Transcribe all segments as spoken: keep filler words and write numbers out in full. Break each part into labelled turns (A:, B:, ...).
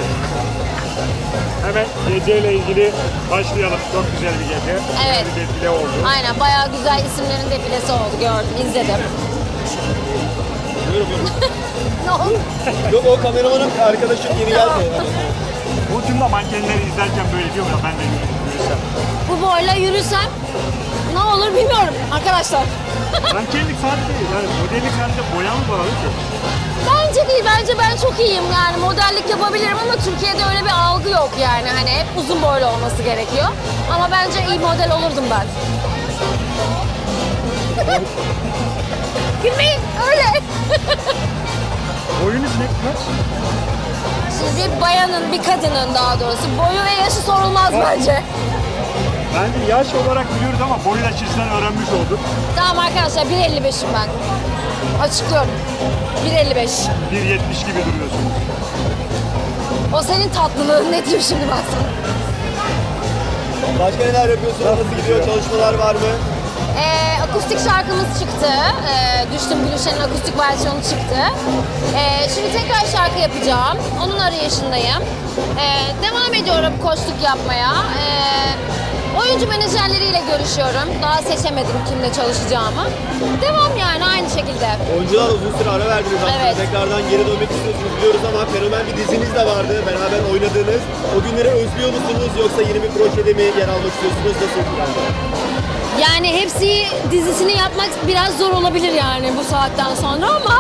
A: Evet. Hemen geceyle ilgili başlayalım. Çok güzel bir gece.
B: Evet.
A: Bir defile oldu.
B: Aynen, bayağı güzel isimlerin defilesi oldu, gördüm, izledim.
C: Buyurun buyurun.
B: Ne oldu?
C: Yok, o kameramanın arkadaşım yeni geldi.
A: Bu tüm de mankenleri izlerken böyle diyor ya, ben de yürüsem.
B: Bu boyla yürüsem ne olur bilmiyorum arkadaşlar.
A: Mankenlik sadece değil. Yani modellik sadece boya mı bağlı ki?
B: Bence değil, bence ben çok iyiyim yani, modellik yapabilirim ama Türkiye'de öyle bir algı yok yani, hani hep uzun boylu olması gerekiyor. Ama bence iyi model olurdum ben. Gülmeyin öyle.
A: Boyunuz ne kaç?
B: Şimdi bir bayanın, bir kadının daha doğrusu boyu ve yaşı sorulmaz bence.
A: Bence yaş olarak biliyoruz ama boyu da sizden öğrenmiş olduk.
B: Tamam arkadaşlar, bir elli beşim ben. Açıklıyorum. bir elli beş.
A: bir yetmiş gibi duruyorsunuz.
B: O senin tatlılığın, ne diyeyim şimdi ben sana.
C: Başka neler yapıyorsunuz? Nasıl gidiyor? Çalışmalar var mı?
B: Ee, akustik şarkımız çıktı. Ee, Düştüm Gülüşen'in akustik versiyonu çıktı. Ee, şimdi tekrar şarkı yapacağım. Onun arayışındayım. Ee, devam ediyorum koçluk yapmaya. Ee, oyuncu menajerleriyle görüşüyorum. Daha seçemedim kimle çalışacağımı. Devam yani aynı şekilde.
C: Oyuncular uzun süre ara verdiniz aslında.
B: Evet.
C: Tekrardan geri dönmek istiyorsunuz biliyoruz ama fenomen bir diziniz de vardı. Beraber oynadığınız. O günleri özlüyor musunuz yoksa yeni bir projede mi yer almak istiyorsunuz? Nasıl bir plan?
B: Yani hepsi dizisini yapmak biraz zor olabilir yani bu saatten sonra ama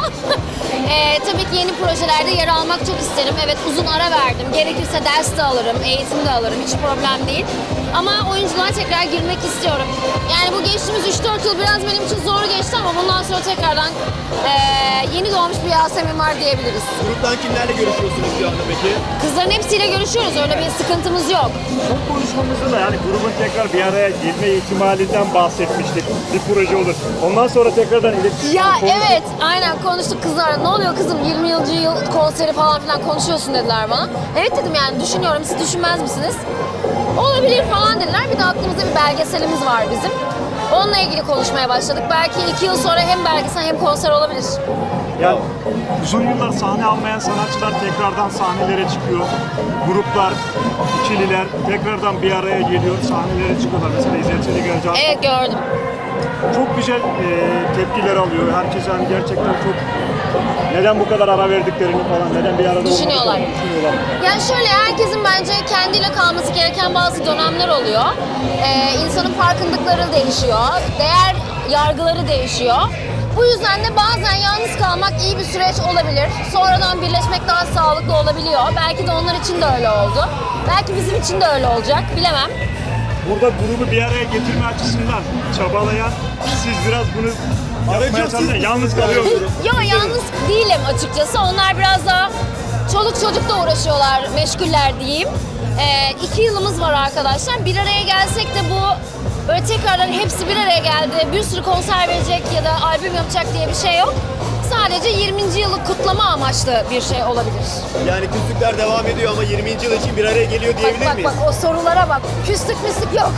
B: e, tabii ki yeni projelerde yer almak çok isterim. Evet, uzun ara verdim. Gerekirse ders de alırım, eğitim de alırım. Hiç problem değil. Ama oyunculuğa tekrar girmek istiyorum. Yani bu geçtiğimiz üç dört yıl biraz benim için zor geçti ama bundan sonra tekrardan e, yeni doğmuş bir Yasemin var diyebiliriz.
C: Gruptan kimlerle görüşüyorsunuz şu anda peki?
B: Kızların hepsiyle görüşüyoruz. Öyle bir sıkıntımız yok.
A: Son konuşmamızda da yani grubun tekrar bir araya gelme ihtimalinden bahsetmiştik. Bir proje olur. Ondan sonra tekrardan iletişim
B: Ya
A: konuştuk.
B: evet, aynen konuştuk kızlarla. Ne oluyor kızım, yirminci yıl konseri falan filan konuşuyorsun dediler bana. Evet dedim, yani düşünüyorum, siz düşünmez misiniz? Olabilir falan dediler. Bir de aklımızda bir belgeselimiz var bizim. Onunla ilgili konuşmaya başladık. Belki iki yıl sonra hem belgesel hem konser olabilir.
A: Yani uzun yıllar sahne almayan sanatçılar tekrardan sahnelere çıkıyor. Gruplar, ikililer tekrardan bir araya geliyor, sahnelere çıkıyorlar. Mesela İzzet Çelikcan
B: Evet, gördüm.
A: çok güzel e, tepkiler alıyor. Herkes hani gerçekten çok neden bu kadar ara verdiklerini falan, neden bir arada
B: Düşünüyorlar.
A: olmadıklarını düşünüyorlar.
B: Yani şöyle, herkesin bence kendiyle kalması gereken bazı dönemler oluyor. Ee, insanın farkındıkları değişiyor, değer yargıları değişiyor. Bu yüzden de bazen yalnız kalmak iyi bir süreç olabilir. Sonradan birleşmek daha sağlıklı olabiliyor. Belki de onlar için de öyle oldu. Belki bizim için de öyle olacak, bilemem.
A: Burada grubu bir araya getirme açısından çabalayan, siz biraz bunu yapmaya çalışın. Yalnız kalıyorsunuz.
B: Yo, yalnız değilim açıkçası. Onlar biraz daha çoluk çocukla uğraşıyorlar, meşguller diyeyim. Ee, iki yılımız var arkadaşlar. Bir araya gelsek de bu böyle tekrardan hepsi bir araya geldi, bir sürü konser verecek ya da albüm yapacak diye bir şey yok. Sadece yirminci yılı kutlama amaçlı bir şey olabilir.
C: Yani küslükler devam ediyor ama yirminci yıl için bir araya geliyor
B: Bak
C: diyebilir
B: bak
C: miyiz?
B: bak, o sorulara bak. Küslük müslük yok.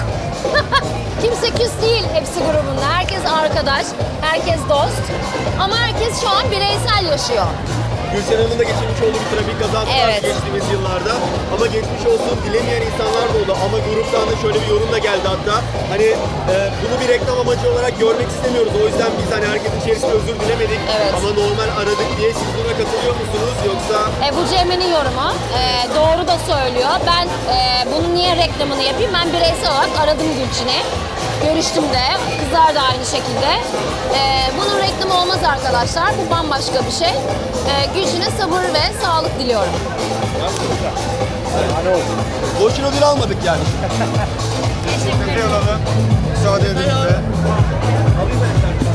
B: Kimse küs değil hepsi grubunda. Herkes arkadaş, herkes dost. Ama herkes şu an bireysel yaşıyor.
C: Gülşen Hanım'ın da geçirmiş olduğu bir trafik kazası var
B: Evet.
C: geçtiğimiz yıllarda. Ama geçmiş olsun dilemeyen insanlar da oldu. Ama gruptan da şöyle bir yorum da geldi hatta. Hani e, bunu bir reklam amacı olarak görmek istemiyoruz. O yüzden biz hani herkesin içerisinde özür dilemedik.
B: Evet.
C: Ama normal aradık diye siz buna katılıyor musunuz? Yoksa
B: E, bu Cemre'nin yorumu. E, doğru da söylüyor. Ben e, bunun niye reklamını yapayım? Ben bireysel olarak aradım Gülçin'i. Görüştüm de. Kızlar da aynı şekilde. E, bunun reklamı olmaz arkadaşlar. Bu bambaşka bir şey. E, Gülçin'e sabır ve sağlık diliyorum.
A: Hani oldu.
C: boşuna ödül almadık yani.
B: Teşekkür ederim.
C: Müsaade edin size.